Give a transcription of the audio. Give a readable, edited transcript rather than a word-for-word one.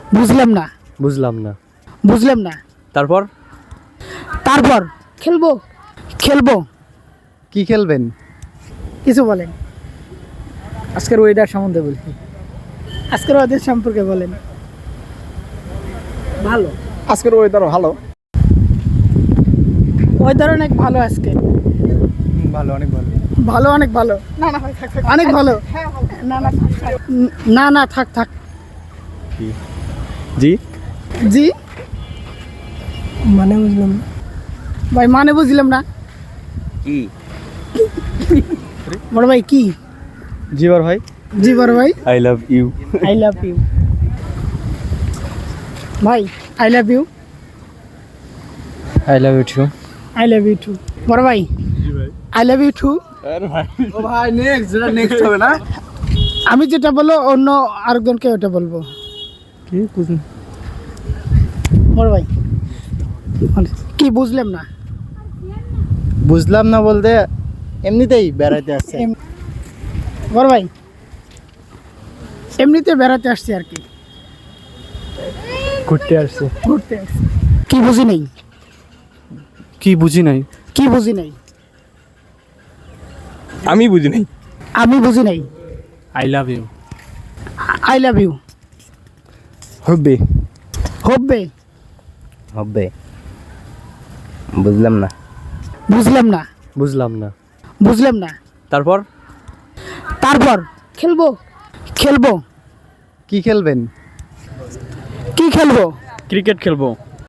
বুঝলাম না। বুঝলাম না। বুঝলাম না। তারপর তারপর খেলবো। খেলবো। কি খেলবেন? কিছু বলেন। আজকের ওয়েদার সম্বন্ধে বলছি। আজকের ওদের সম্পর্কে বলেন। ভালো। আজকের ওয়েদার ভালো। ওয়েদার অনেক ভালো আজকে। ভালো, অনেক ভালো। ভালো, অনেক ভালো। না না থাক থাক। অনেক ভালো। না না থাক থাক। না না থাক থাক। জি জি মানে বুঝলাম না ভাই, মানে বুঝলাম না। কি? বড় ভাই কি? জি বড় ভাই। জি বড় ভাই। I love you. I love you ভাই। I love you. I love you too. I love you too বড় ভাই। জি ভাই। I love you too. ও ভাই নেক্সট, যেটা নেক্সট হবে না? আমি যেটা বলবো অন্য আরেকজনকে ওটা বলবো। কি বুঝুন? বড় ভাই কি বুঝলাম না। বুঝলাম না বলতে এমনিতেই বেড়াইতে আসছে। বড় ভাই এমনিতে বেড়াতে আসছি আর কি। ঘুরতে আসছে। ঘুরতে আসছি। কি বুঝি নেই। কি বুঝি নাই? কি বুঝি নেই। আমি বুঝি নাই। আমি বুঝি নাই। I love you. I love you. হবে। হবে। হবে। বুঝলাম না। বুঝলাম না। বুঝলাম না। বুঝলাম না। তারপর তারপর খেলবো। খেলবো। কি খেলবেন? কি খেলবো? ক্রিকেট খেলবো।